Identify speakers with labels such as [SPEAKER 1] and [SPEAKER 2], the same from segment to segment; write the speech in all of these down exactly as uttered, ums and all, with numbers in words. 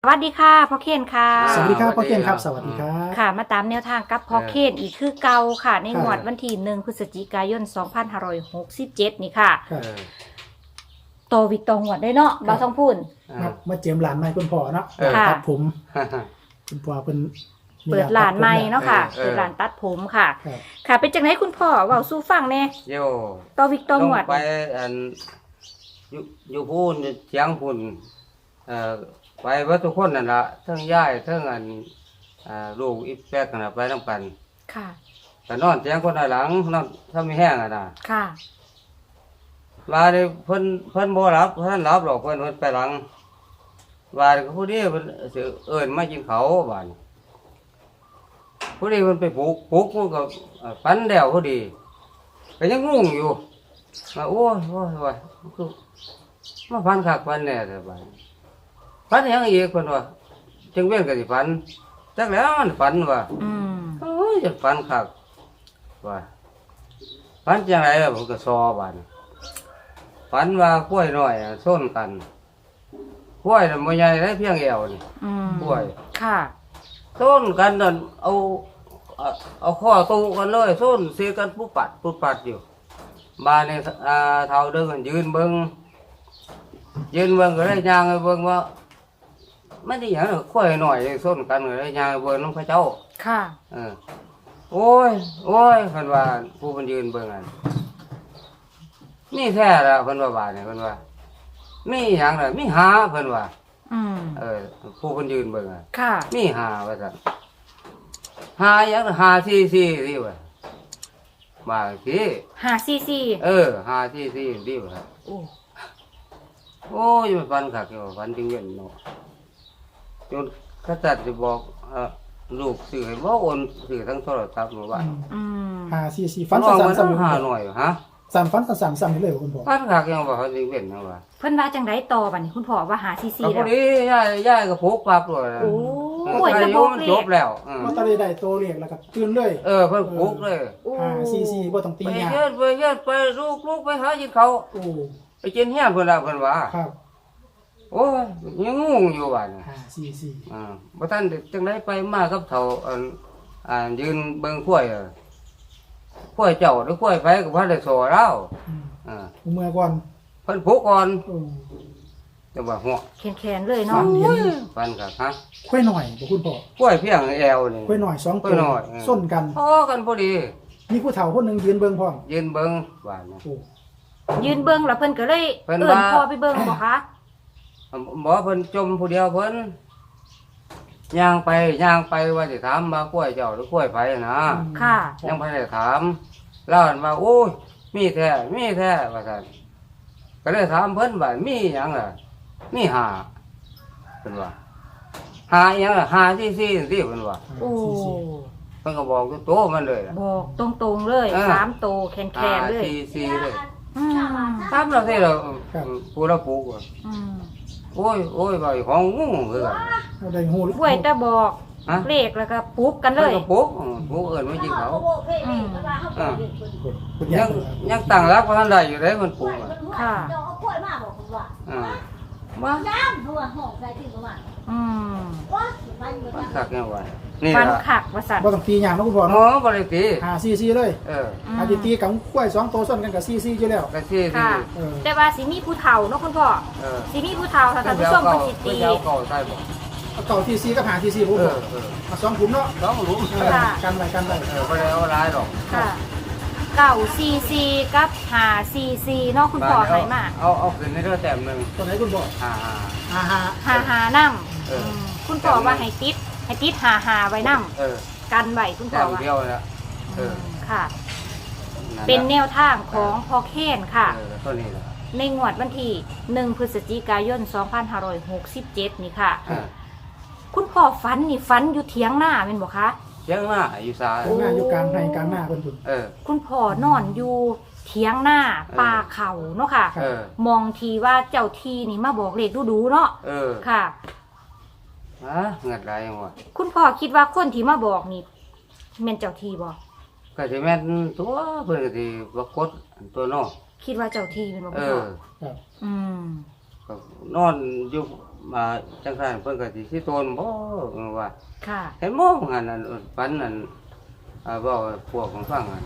[SPEAKER 1] สวัสดีค่ะพ่อเคนค่ะ
[SPEAKER 2] สวัสดีครับพ่อเคนครับสวัสดีครับ
[SPEAKER 1] ค่ะมาตามแนวทางกับพ่อเคนอีกคือเก่าค่ะในงวดวันที่หนึ่งพฤศจิกายนสองพันห้าร้อยหกสิบเจ็ดนี่ค่ะโตวิกตองวดได้เนาะบ่าวทองพูน
[SPEAKER 2] มาเจียมหลานใหม่คุณพ่อเนาะตัดผมคุณพ่อเป็น
[SPEAKER 1] เปิดหลานใหม่เนาะค่ะเปิดหลานตัดผมค่ะค่ะเป็นจังไหนคุณพ่อเว้าสู้ฟังแน่
[SPEAKER 3] โย
[SPEAKER 1] โตวิกตองวด
[SPEAKER 3] ไปอันอยู่อยู่พูนเสียงพูนเอ่อไปว่าทุกคนนั่นละทั้งย่ายทั้งอันอ่าลูกอีแป๊กนั่นละไปน้ำกัน
[SPEAKER 1] ค่ะ
[SPEAKER 3] แต่นอนเสียงคนหลังนอนถ้าไม่แห้งอ่ะนะ
[SPEAKER 1] ค่ะ
[SPEAKER 3] ว่าเลยเพิ่นเพิ่นบ่รับเพิ่นรับหรอกเพิ่นเพิ่นไปหลังว่าก็ผู้นี้เพิ่นสิเอิ้นมากินเขาบ้านผู้นี้เพิ่นไปปลูกปลูกมันก็ฝันแล้วพอดีก็ยังงงอยู่ว่าโอ้ยโอ้ยว่าคือมาฝันคักฝันแน่แต่บ้านฝันยังอีกเพิ่นว่าจังเว้นก็สิฝันจักแล้วมันฝันว่า
[SPEAKER 1] อืม
[SPEAKER 3] โอ้ยจะฝันคักว่าฝันจังไดล่ะผมก็ซอบ้านฝันว่ากล้วยน้อยส้นกันกล้วยน่ะบ่ใหญ่ได้เพียงแอวนี่
[SPEAKER 1] อืม
[SPEAKER 3] กล้วย
[SPEAKER 1] ค่ะ
[SPEAKER 3] ส้นกันนั่นเอาเอาข้อตู้กันเลยส้นเสียกันปุ๊บปัดปุ๊บปัดอยู่บ้านนี่อ่าเฒ่าเดินยืนเบิ่งยืนเบิ่งก็ได้ย่างเบิ่งว่าไม่ได้หยังกล้วยน้อยส้นกันก็ได้ย่างเบิ่งนำพระเจ้า
[SPEAKER 1] ค่ะ
[SPEAKER 3] เออโอ้ยโอ้ยเพิ่นว่าผู้เพิ่นยืนเบิ่งนั่นนี่แท้ละเพิ่นว่าบาดนี่เพิ่นว่ามีหยังล่ะมีหาเพิ่นว่า
[SPEAKER 1] อืม
[SPEAKER 3] เออผู้เพิ่นยืนเบิ่งอ่ะ
[SPEAKER 1] ค่ะ
[SPEAKER 3] มีหาว่าซั่นหาหยังหาซี่ซี่นี่ว่าบางที
[SPEAKER 1] ห้าซีซี
[SPEAKER 3] เออหาซี่ซี่นี่ว่า
[SPEAKER 1] โอ้
[SPEAKER 3] โอ้ยมันฟันคักอยู่ฟันจริงเว้นเนาะจนกษัตริย์สิบอกเอ่อลูกซื้อให้บ่โอนซื้อทั้งโทรศัพท์มาบ้าน
[SPEAKER 1] อืม
[SPEAKER 2] หาซีซีฟันสั่นๆ
[SPEAKER 3] หาหน่อยฮะ
[SPEAKER 2] สั่นฟันสั่นๆๆเลยคุณพ่อ
[SPEAKER 3] ฟันคักยังบ่เขาจริงเว้นจังว่า
[SPEAKER 1] เพิ่นว่าจังได๋ต่อบัดนี้คุณพ่อว่าหาซีซี
[SPEAKER 3] แล้วพ
[SPEAKER 1] อ
[SPEAKER 3] ดียายยายก็ผูกปรับเลย
[SPEAKER 1] โอ้
[SPEAKER 3] ยจะบอกเลขจบแล้ว
[SPEAKER 2] ว่าตะได้ได้โตเรียกแล้วก็ตื่นเลย
[SPEAKER 3] เออเพิ่นผูกเลย
[SPEAKER 2] หาซีซีบ่ต้องตียา
[SPEAKER 3] ไปเฮ็ดไปเฮ็ดไปลูกๆไปหากินเขา
[SPEAKER 2] โอ้
[SPEAKER 3] ไปกินเฮียนเพิ่นล่ะเพิ่นว่า
[SPEAKER 2] ครับ
[SPEAKER 3] โอ้ยยังงงอยู่บัดนี้
[SPEAKER 2] หาซีซี
[SPEAKER 3] อ่าบ่ทันจังได๋ไปมากับเฒ่าอันอ่ายืนเบิ่งข้วยอ่ะข้วยเจ้าหรือข้วยไผก็บ่ได้สอแล้วอ่า
[SPEAKER 2] เมื่อก่อน
[SPEAKER 3] เพิ่นผูกก่อน
[SPEAKER 2] โอ้
[SPEAKER 3] จังว่าหัว
[SPEAKER 1] แขนๆเลยเนาะ
[SPEAKER 3] ฟันคักฮะ
[SPEAKER 2] ค่อยหน่อยบ่คุณพ่อ
[SPEAKER 3] ข้วยเพียงแอวนี่
[SPEAKER 2] ค่อยหน่อยสองตัวส้นกัน
[SPEAKER 3] พอกันพอดี
[SPEAKER 2] มีผู้เฒ่าคนนึงยืนเบิ่งพร้อม
[SPEAKER 3] ยืนเบิ่งว่านะ
[SPEAKER 2] โอ้
[SPEAKER 1] ยืนเบิ่งแล้วเพิ่นก็เลยเอิ้นพ่อไปเบิ่งบ่คะ
[SPEAKER 3] บ่เพิ่นจมผู้เดียวเพิ่นย่างไปย่างไปว่าสิถามมากล้วยเจ้าหรือกล้วยไผนะ
[SPEAKER 1] ค่ะ
[SPEAKER 3] ยังบ่ได้ถามเล่าว่าโอ้ยมีแท้มีแท้ว่าซั่นก็เลยถามเพิ่นว่ามีหยังล่ะมีหาเพิ่นว่าหาหยังล่ะหาซี่ๆจังซี่เพิ่นว่า
[SPEAKER 1] โอ้
[SPEAKER 3] เพิ่นก็บอกโตมันเลย
[SPEAKER 1] บอกตรงๆเลยสามโตแขนๆเลย
[SPEAKER 3] ซี่ๆเลย
[SPEAKER 1] อืม
[SPEAKER 3] ตามเราสิเราผู้เราปลูก
[SPEAKER 1] อืม
[SPEAKER 3] โอ้ยโอ้ยบ่ของงูคือกัน
[SPEAKER 2] ได้ฮู้
[SPEAKER 1] กล้วยแต่บอกเลขแล้วก็ปุ๊บกันเลย
[SPEAKER 3] ก็ปุ๊บปุ๊บเอิ้นมาจิเขา
[SPEAKER 1] อืม
[SPEAKER 3] อ่ายังยังตั้งรักบ่ทันได้อยู่เด้มันปลูกอ่ะ
[SPEAKER 1] ค่ะ
[SPEAKER 4] เอากล้วยมาบอกผมว่า
[SPEAKER 3] อ่า
[SPEAKER 4] บ่น้ำตัวหอกใส่ที่ประมาณ
[SPEAKER 1] อืม
[SPEAKER 4] ว่ามันบ่
[SPEAKER 3] คักแนวว่านี่
[SPEAKER 1] ฟันคักว่าซั่น
[SPEAKER 2] บ่ต้องตีหยังเนาะคุณพ่อ
[SPEAKER 3] อ๋อ
[SPEAKER 2] เนาะ
[SPEAKER 3] บ่ได้ตี
[SPEAKER 2] หาซีซีเลย
[SPEAKER 3] เออ
[SPEAKER 2] อาทิตีกับกล้วยสองตัวส้นกันกับซีซีอยู่แล้ว
[SPEAKER 3] ก็ซี่
[SPEAKER 1] ค่ะแต่ว่าสิมีผู้เฒ่าเนาะคุณพ่อ
[SPEAKER 3] เออ
[SPEAKER 1] สิมีผู้เฒ่าถ้าท่านผู้ชมเพิ่นสิตี
[SPEAKER 3] เอาเก่าใส่บ่
[SPEAKER 2] เอาเก่าทีซีกับหาทีซีผมบอกมาสองขุมเนาะ
[SPEAKER 3] สองหลุม
[SPEAKER 2] กันไว้กันไว้
[SPEAKER 3] เออบ่ได้เอาหลายดอก
[SPEAKER 1] ค่ะเก้าซีซีกับหาซีซีเนาะคุณพ่อให้มา
[SPEAKER 3] เอาเอาขึ้นให้เด้อแต้มนึง
[SPEAKER 2] ตัวไหนคุณพ่อ
[SPEAKER 3] อ่า
[SPEAKER 2] หาหา
[SPEAKER 1] หาหานำเออคุณพ่อว่าให้ติดให้ติดหาหาไว้นำ
[SPEAKER 3] เออ
[SPEAKER 1] กันไว้คุณพ่อว่า
[SPEAKER 3] เดียวแล้วเออ
[SPEAKER 1] ค่ะเป็นแนวทางของพ่อเคนค่ะ
[SPEAKER 3] เออตัวนี้ล่ะ
[SPEAKER 1] ในงวดวันที่หนึ่งพฤศจิกายนสองพันห้าร้อยหกสิบเจ็ดนี่ค่ะคุณพ่อฝันนี่ฝันอยู่เถียงหน้าเป็นบ่คะ
[SPEAKER 3] เถียงหน้าอยู่ซ้าย
[SPEAKER 2] หน้าอยู่กลางในกลางหน้าเพิ่นพุ่น
[SPEAKER 3] เออ
[SPEAKER 1] คุณพ่อนอนอยู่เถียงหน้าป่าเขาเนาะค่ะมองทีว่าเจ้าทีนี่มาบอกเลขดูๆเนาะ
[SPEAKER 3] เออ
[SPEAKER 1] ค่ะ
[SPEAKER 3] ฮะเงินไรยังวะ
[SPEAKER 1] คุณพ่อคิดว่าคนที่มาบอกนี่แม่นเจ้าทีบ่
[SPEAKER 3] ก็สิแม่นตัวเพิ่นก็สิบ่กดตัวน้อ
[SPEAKER 1] คิดว่าเจ้าทีเป็นบ่
[SPEAKER 3] เอ
[SPEAKER 1] พ่อ
[SPEAKER 3] ครับ
[SPEAKER 1] อืม
[SPEAKER 3] ก็นอนอยู่มาจังซั่นเพิ่นก็สิสิโตนบ่เออว่า
[SPEAKER 1] ค่ะ
[SPEAKER 3] เห็นมองหันอันฝันอันอ่าเว้าให้พวกของฟังอัน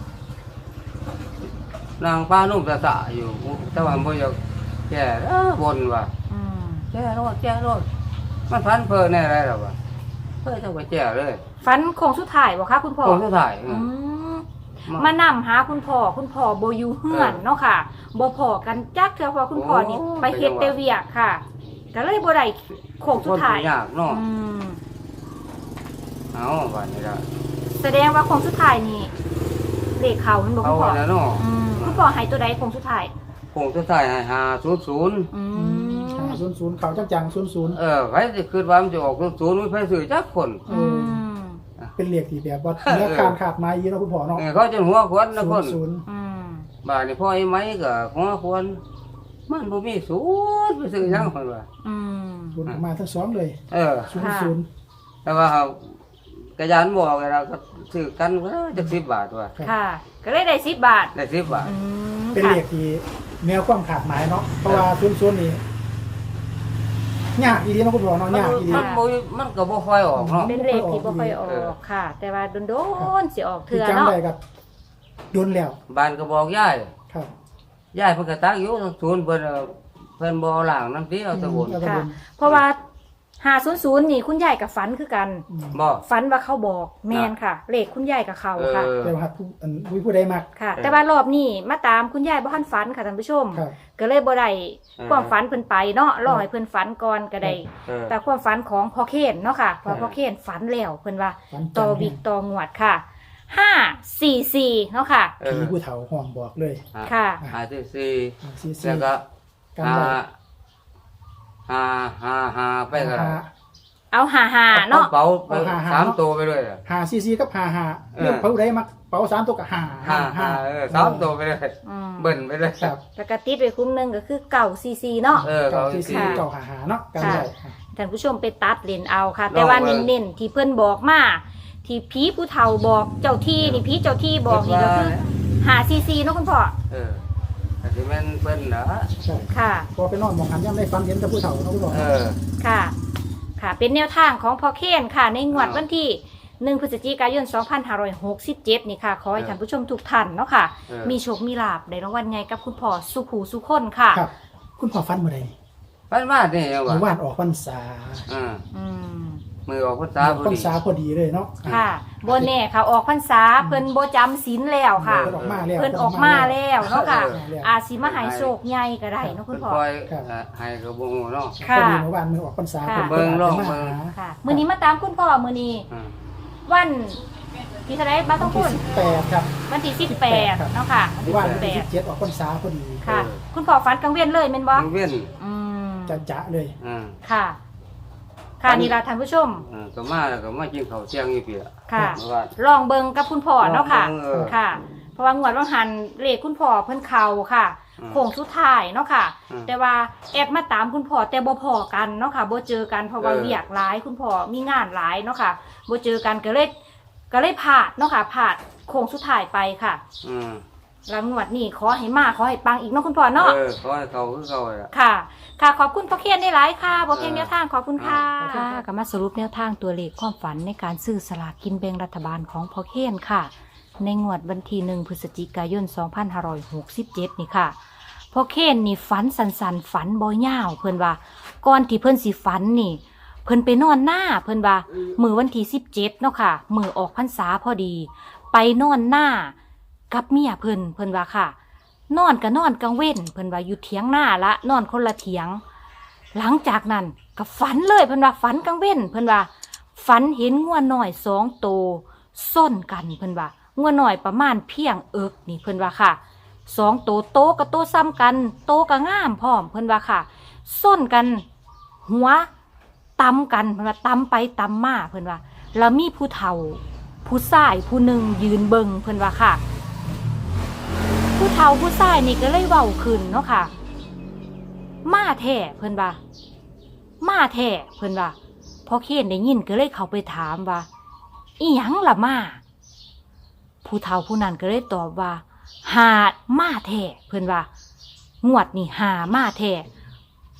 [SPEAKER 3] นางฟ้านุ่มตะสะอยู่แต่ว่าบ่อยากแก้เออบนว่า
[SPEAKER 1] อืม
[SPEAKER 3] แก้รถแก้รถมันฝันเพ้อแน่ไรหรอวะเพ้อเจ้าก็แก้เลย
[SPEAKER 1] ฝันโค้งสุดท้ายบ่คะคุณพ่อ
[SPEAKER 3] คนสุดท้ายเอ
[SPEAKER 1] อื
[SPEAKER 3] อ
[SPEAKER 1] มมานำหาคุณพ่อคุณพ่อบ่อยู่เฮือนเนาะค่ะบ่พอกันจักเทื่อเพราะคุณพ่อนี่ไปเฮ็ดแต่เวียกค่ะก็เลยบ่ได้โค้ง
[SPEAKER 3] ค
[SPEAKER 1] สุด
[SPEAKER 3] น
[SPEAKER 1] ท้าย
[SPEAKER 3] ยากเนาะ
[SPEAKER 1] อืม
[SPEAKER 3] เอาวันนี้ละ
[SPEAKER 1] แสดงว่าโค้งสุดท้ายนี่เลขเขามันบ่
[SPEAKER 3] เอา
[SPEAKER 1] คุณพ่อ
[SPEAKER 3] แล้วเนาะ
[SPEAKER 1] อืมคุณพ่อให้ตัวใดโค้งสุดท้าย
[SPEAKER 3] คงสุดท้ายให้หาศูนย์ศูนย์
[SPEAKER 1] อืม
[SPEAKER 2] ศูนย์ศูนย์เขาจังจังศูนย์ศูนย์
[SPEAKER 3] เออใครจะคิดว่ามันจะออกศูนย์ศูนย์ไม่ใช่สื่อจักคน
[SPEAKER 1] อืม
[SPEAKER 2] เป็นเลขที่แบบว่าเนื้อคานขาดไม้ยีเนาะคุณพ่อเนาะ
[SPEAKER 3] เออเขาจะหัวควนนะคน
[SPEAKER 2] ศูนย์
[SPEAKER 1] อืม
[SPEAKER 3] บ้านนี่พ่อไอ้ไม้ก็หัวควนมันบ่มีศูนย์ไปซื้อยังคนว่า
[SPEAKER 1] อืม
[SPEAKER 2] ศูนย์ออกมาทั้งสองเลย
[SPEAKER 3] เออ
[SPEAKER 2] ศูนย์ศูนย์
[SPEAKER 3] แต่ว่าเขากระยานบอกไงเราก็ซื้อกันก็จักสิบบาทว่า
[SPEAKER 1] ค่ะ ก็เลยได้สิบบาท
[SPEAKER 3] ได้สิบบาท
[SPEAKER 1] อืม
[SPEAKER 2] เป็น
[SPEAKER 1] ค่ะ
[SPEAKER 2] เลขที่แนวความขาดหมายเนาะเพราะว่าศูนย์ศูนย์นี่ยากอีหลีเนาะคุณพ่อเนาะ
[SPEAKER 3] มัน
[SPEAKER 2] ยากอีหลี
[SPEAKER 3] มันบ่มันก็บ่ค่อยออกเนาะ
[SPEAKER 1] เป็นเลขที่บ่ค่อยอ
[SPEAKER 3] เออ
[SPEAKER 1] อกค่ะ แต่ว่าโดนๆสิออก
[SPEAKER 2] ที่
[SPEAKER 1] เทื่อ
[SPEAKER 2] จำ
[SPEAKER 1] เนาะ
[SPEAKER 2] ได้กับโดนแล้ว
[SPEAKER 3] บ้านก็บอกยาย
[SPEAKER 2] ครับ
[SPEAKER 3] ยายเพิ่นก็ตักอยู่ศูนย์เพิ่นเอาเพิ่นบ่เอาหลังน้ำตีเอาแตะบน
[SPEAKER 2] เอาแตะบ
[SPEAKER 1] ค่ะ
[SPEAKER 2] น
[SPEAKER 1] เพราะว่าห้าศูนย์ศูนย์นี่คุณยายกับฝันคือกัน
[SPEAKER 2] อืม
[SPEAKER 3] บ่
[SPEAKER 1] ฝันว่าเขาบอกแมนค่ะ เลขคุณยายกับเขา
[SPEAKER 3] เอ
[SPEAKER 1] ค่ะ
[SPEAKER 3] อ
[SPEAKER 2] แต่ว่าผู้อันผู้ผู้ใดมัก
[SPEAKER 1] ค่ะ
[SPEAKER 3] เออ
[SPEAKER 1] แต่ว่ารอบนี้มาตามคุณยายบ่ทันฝันค่ะท่านผู้ชม
[SPEAKER 2] ครับ
[SPEAKER 1] ก็เลยบ่ได้
[SPEAKER 3] เออ
[SPEAKER 1] ความฝันเพิ่นไปเนาะรอให้เพิ่นฝันก่อนก็ได้
[SPEAKER 3] เออ
[SPEAKER 1] แต่ความฝันของพ่อเคนเนาะค่ะเพ
[SPEAKER 3] เอ
[SPEAKER 1] ราะ
[SPEAKER 3] อ
[SPEAKER 1] พ่อเคนฝันแล้วเพิ่นว่า
[SPEAKER 2] ฝัน
[SPEAKER 1] ต่อ
[SPEAKER 2] จำ
[SPEAKER 1] วิกต่องวดค่ะห้าสี่สี่เนาะค่ะ
[SPEAKER 3] เอ
[SPEAKER 2] ผี
[SPEAKER 3] อ
[SPEAKER 2] ผู้เฒ่าห้องบอกเลย
[SPEAKER 1] ค่ะ
[SPEAKER 3] หาที่สี่
[SPEAKER 2] ซีซี
[SPEAKER 3] แล้วก็
[SPEAKER 2] กัน
[SPEAKER 3] หา
[SPEAKER 2] ไว้
[SPEAKER 3] หาหาหาไปก็ได้
[SPEAKER 2] หา
[SPEAKER 1] เอาหาหาเนาะ
[SPEAKER 3] เป๋าไป
[SPEAKER 2] เอาหาหา
[SPEAKER 3] สามตัวไปเลยอะ
[SPEAKER 2] หาซีซีกับหาหา
[SPEAKER 3] เออ
[SPEAKER 2] เรื่องผู้ใดมักเป๋าสามตัวกับหา
[SPEAKER 3] หาหาเออสามตัวไปเลย
[SPEAKER 1] อืม
[SPEAKER 3] เบิ่นไปเลย
[SPEAKER 2] ครับ
[SPEAKER 1] แล้วก็ติดไว้คุ้มหนึงก็คือเก่าซีซีเนาะ
[SPEAKER 3] เออ
[SPEAKER 2] เก่า
[SPEAKER 3] เขา
[SPEAKER 2] ซีซี
[SPEAKER 1] ค่ะ
[SPEAKER 2] เก่าหาหาเนาะกันไว้
[SPEAKER 1] ท่านผู้ชมไปตัดเลนเอาค่ะ
[SPEAKER 3] ลอง
[SPEAKER 1] แต่ว่า
[SPEAKER 3] เบิ่ง
[SPEAKER 1] เน้นๆที่เพิ่นบอกมาที่ผีผู้เฒ่าบอกเจ้าที่นี่ผีเจ้าที่บอกนี่ก็คือหาซีซีเนาะคุณพ่อ
[SPEAKER 3] เออแต่ที่แม่นเพิ่นนะ
[SPEAKER 2] ใช่
[SPEAKER 1] ค่ะ
[SPEAKER 2] พอไปนอนมองหันย่ำได้ฟันเห็นแต่ผู้เฒ่าเนาะคุณพ่อ
[SPEAKER 3] เออ
[SPEAKER 1] ค่ะ ค่ะ เป็นแนวทางของพ่อเคนค่ะ ในงวด
[SPEAKER 3] อ่า
[SPEAKER 1] วันที่หนึ่งพฤศจิกายนสองพันห้าร้อยหกสิบเจ็ดนี่ค่ะขอให้
[SPEAKER 3] เออ
[SPEAKER 1] ท่านผู้ชมทุกท่านเนาะค่ะ
[SPEAKER 3] เออ
[SPEAKER 1] มีโชคมีลาภได้รางวัลใหญ่กับคุณพ่อสุขหูสุขคนค่ะ
[SPEAKER 2] ครับ คุณพ่อฟันเมื่อไร
[SPEAKER 3] เพิ่นมานี่ยัง
[SPEAKER 2] หรือ
[SPEAKER 3] ว่า
[SPEAKER 2] ว่านออกพรรษา
[SPEAKER 3] อ่า
[SPEAKER 1] อืม
[SPEAKER 3] มือออกพรรษาพอ
[SPEAKER 2] พรร
[SPEAKER 3] ดี
[SPEAKER 2] ษาพอดีเลยเนาะ
[SPEAKER 1] ค่ะโบแน่ค่ะออกพรรษาเพิ่นโบจำศีลแล้วค่ะ
[SPEAKER 2] เพิ่นออกมาแล้ว
[SPEAKER 1] เพิ่นออกมาแล้วเนาะค่ะ
[SPEAKER 2] เพิ่นออกมาแล้ว
[SPEAKER 1] อาจสิมาใหายโชคใหญ่ก็ได้เนาะคุณพ่อ
[SPEAKER 3] เพิ่นปล่อย
[SPEAKER 2] ครับ
[SPEAKER 3] อ่าให้กระบงเนาะ
[SPEAKER 1] ค่ะ
[SPEAKER 2] พอดีเมื่อวานมือออกพรรษา
[SPEAKER 1] ค่ะ
[SPEAKER 2] พิ่น
[SPEAKER 3] เบิ่งลอง
[SPEAKER 2] มา
[SPEAKER 3] เบิ่ง
[SPEAKER 2] หา
[SPEAKER 1] ค่ะมื้อนี้มาตามคุณพ่อมื้อนี้
[SPEAKER 3] อ่า
[SPEAKER 1] วันที่เท่าไหร่บ้านต้องพูด
[SPEAKER 2] แปดครับ
[SPEAKER 1] วันที่สิบแปดเนาะค่ะ
[SPEAKER 2] หรือว่า
[SPEAKER 1] สิบแป
[SPEAKER 2] ที่
[SPEAKER 1] ด
[SPEAKER 2] เจ็ดออกพรรษาพอดี
[SPEAKER 1] ค่ะ คุณพ่อฝันกลางเวียนเลยแม่นบ่
[SPEAKER 3] เว้น
[SPEAKER 1] อืม
[SPEAKER 2] จะจะเลย
[SPEAKER 3] อ่า
[SPEAKER 1] ค่ะ ค่ะนี่ล่ะท่านผู้ชม
[SPEAKER 3] อ่าก็มาแล้วก็มากินข้าวเที่ยงอีกเปีย
[SPEAKER 1] ค่ะ
[SPEAKER 3] เมื่อวาน
[SPEAKER 1] ลองเบิงกับคุณพ่อเนาะค่ะ
[SPEAKER 3] ลองเบิ่งเออ
[SPEAKER 1] ค่ะ เพราะว่างวดว่างหันเลขคุณพ่อเพิ่นเข่าค่ะ
[SPEAKER 3] อืม
[SPEAKER 1] โค้งสุดท้ายเนาะค่ะ
[SPEAKER 3] อืม
[SPEAKER 1] แต่ว่าแอบมาตามคุณพ่อแต่บ่พอกันเนาะค่ะบ่เจอกันเพราะว่า
[SPEAKER 3] เออ
[SPEAKER 1] เวียกหลายคุณพ่อมีงานหลายเนาะค่ะบ่เจอกันก็เลยก็เลยพลาดเนาะค่ะพลาดโค้งสุดท้ายไปค่ะ
[SPEAKER 3] อืม
[SPEAKER 1] แล้วงวดนี้ขอให้มาขอให้ปังอีกเนาะคุณพ่อเนาะ
[SPEAKER 3] เออขอให้เขาคือเขาอ่ะ
[SPEAKER 1] ค่ะ ค่ะ ขอบคุณพ่อเคียนได้หลายค่ะพ่อเคียน
[SPEAKER 3] เออ
[SPEAKER 1] แนวทางขอบคุณค่ะ
[SPEAKER 2] เออ
[SPEAKER 1] ค่ะก็มาสรุปแนวทางตัวเลขความฝันในการซื้อสลากกินแบ่งรัฐบาลของพ่อเคียนค่ะ ในงวดวันที่หนึ่งพฤศจิกายนสองพันห้าร้อยหกสิบเจ็ดนี่ค่ะพ่อเคียนนี่ฝันสันสันๆฝันบ่ยาวเพิ่นว่าก่อนที่เพิ่นสิฝันนี่ เพิ่นไปนอนหน้าเพิ่นว่ามือวันที่สิบเจ็ดเนาะค่ะมือออกพรรษาพอดี ไปนอนหน้ากับเมียเพิ่นเพิ่นว่าค่ะ นอนก็นอนกลางเว้นเพิ่นว่าอยู่เถียงหน้าละนอนคนละเถียง หลังจากนั้นก็ฝันเลยเพิ่นว่าฝันกลางเว้นเพิ่นว่าฝันเห็นงัวน้อยสองโตวส้นกันเพิ่นว่างัวน้อยประมาณเพียงเอิกนี่เพิ่นว่าค่ะสองโตวโตกับโตซ้ำกันโตก็งามพร้อมเพิ่นว่าค่ะส้นกันหัวตำกันเพิ่นว่าตำไปตำมาเพิ่นว่าแล้วมีผู้เฒ่า ผู้ชายผู้หนึ่งยืนเบิงเพิ่นว่าค่ะ ผู้เฒ่าผู้ชายนี่ก็เลยเว้าขึ้นเนาะค่ะ มาแท้เพิ่นว่ามาแท้เพิ่นว่าพอเคนได้ยินก็เลยเข้าไปถามว่าอีหยังล่ะมาผู้เฒ่าผู้นั้นก็เลยตอบว่าหามาแท้เพิ่นว่างวดนี่หามาแท้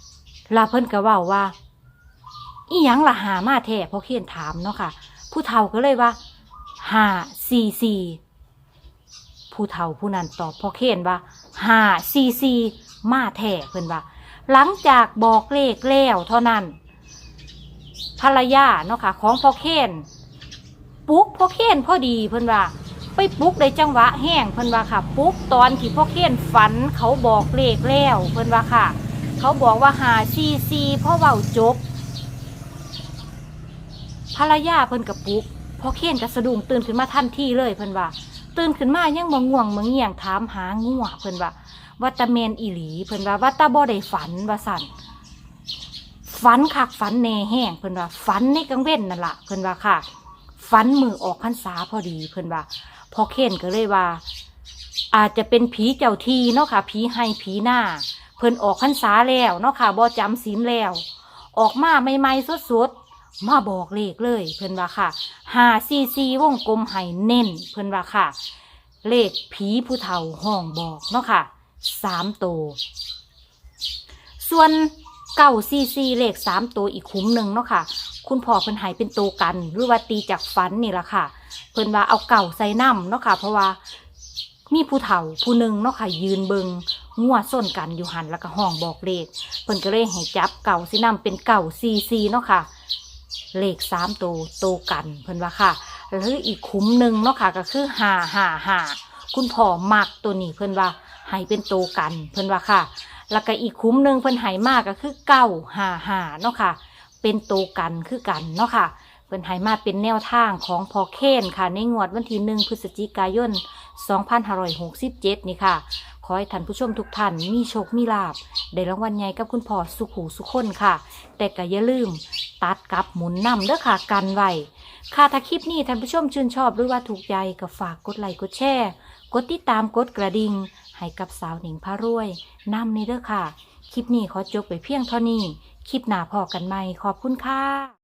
[SPEAKER 1] ลาเพิ่นก็เว้าว่าอีหยังล่ะหามาแท้พอเคนถามเนาะค่ะผู้เฒ่าก็เลยว่าห้าสี่สี่ผู้เฒ่าผู้นั้นตอบพอเคนว่าห้าสี่สี่มาแท้เพิ่นว่าหลังจากบอกเลขแล้วเท่านั้นภรรยาเนาะค่ะของพอเคนปลุ๊กพอเคนพอดีเพิ่นว่าไปปลุ๊กได้จังหวะแห้งเพิ่นว่าค่ะปลุ๊กตอนที่พอเคนฝันเขาบอกเลขแล้วเพิ่นว่าค่ะเขาบอกว่าหาซีซีพ่อเว้าจบภรรยาเพิ่นกับปลุ๊กพอเคนก็สะดุ้งตื่นขึ้นมาทันทีเลยเพิ่นว่าตื่นขึ้นมายังบ่ง่วงบ่เงี่ยงถามหางัวเพิ่นว่าว่าตาแมนอีหลีเพิ่นว่าว่าตาบ่ได้ฝันว่าสั่นฝันคักฝันแน่แห้งเพิ่นว่าฝันในกลางเว้นนั่นล่ะเพิ่นว่าค่ะฝันมือออกพรรษาพอดีเพิ่นว่าพอเคนก็เลยว่าอาจจะเป็นผีเจ้าที่เนาะค่ะผีให้ผีหน้าเพิ่นออกพรรษาแล้วเนาะค่ะบ่จำศีลแล้วออกมาใหม่ๆสดๆมาบอกเลขเลยเพิ่นว่าค่ะห้าสี่สี่วงกลมให้เน้นเพิ่นว่าค่ะเลขผีผู้เฒ่าห้องบอกเนาะค่ะสามตัวส่วนเก้าสี่สี่เลขสามตัวอีกคุ้มหนึ่งเนาะค่ะคุณพ่อเพิ่นให้เป็นตัวกันหรือว่าตีจากฝันนี่แหละค่ะเพิ่นว่าเอาเก่าใส่น้ำเนาะค่ะเพราะว่ามีผู้เฒ่าผู้หนึ่งเนาะค่ะยืนเบิงงัวส้นกันอยู่หันแล้วก็ห้องบอกเลขเพิ่นก็เลยให้จับเก่าใส่น้ำเป็นเก่าสี่สี่เนาะค่ะเลขสามตัวโตกันเพิ่นว่าค่ะหรืออีกคุ้มหนึ่งเนาะค่ะก็คือห้าห้าห้าคุณพ่อมักตัวนี้เพิ่นว่าให้เป็นโตกันเพิ่นว่าค่ะแล้วก็อีกคุ้มหนึ่งเพิ่นให้มากก็คือเก้าห้าห้าเนาะค่ะเป็นโตกันคือกันเนาะค่ะเพิ่นให้มาเป็นแนวทางของพอเคนค่ะในงวดวันที่หนึ่งพฤศจิกายนสองพันห้าร้อยหกสิบเจ็ดนี่ค่ะขอให้ท่านผู้ชมทุกท่านมีโชคมีลาภได้รางวัลใหญ่กับคุณพ่อสุขหูสุขคนค่ะแต่ก็อย่าลืมตัดกับหมุนนำเด้อค่ะกันไว้ค่ะถ้าคลิปนี้ท่านผู้ชมชื่นชอบหรือว่าถูกใจก็ฝากกดไลค์กดแชร์กดติดตามกดกระดิ่งให้กับสาวหนิงพารวยนำนี่เด้อค่ะคลิปนี้ขอจบไปเพียงเท่านี้คลิปหน้าพอกันใหม่ขอบคุณค่ะ